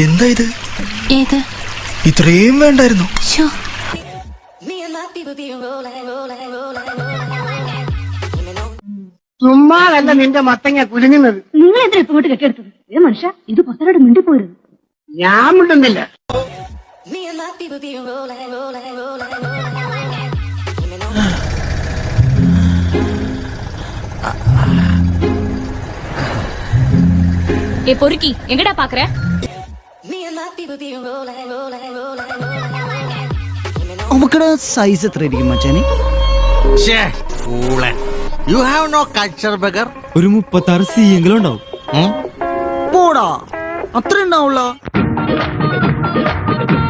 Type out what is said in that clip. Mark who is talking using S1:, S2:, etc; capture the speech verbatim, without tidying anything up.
S1: എന്താ ഇത്?
S2: ഏത്?
S1: ഇത്രയും വേണ്ടായിരുന്നു.
S3: ചുമ്മാതല്ല നിന്റെ മത്തങ്ങ കുലുങ്ങുന്നത്.
S4: നിങ്ങൾ എന്തിനാ ഇങ്ങോട്ട് കെട്ടിയെടുത്തത്? ഏ മനുഷ്യ, ഇത് പത്തനോട് മിണ്ടിപ്പോരുത്.
S3: ഞാൻ മിണ്ടുന്നില്ല.
S2: ஏ பொறுக்கி எங்கடா பாக்குற?
S5: അവക്കടെ സൈസ് എത്ര ആയിരിക്കും മച്ചാനെ?
S6: You have no culture bugger.
S7: ഒരു മുപ്പത്താറ് സി എങ്കിലും ഉണ്ടാവും.
S5: പോടാ, അത്ര ഉണ്ടാവുള്ള.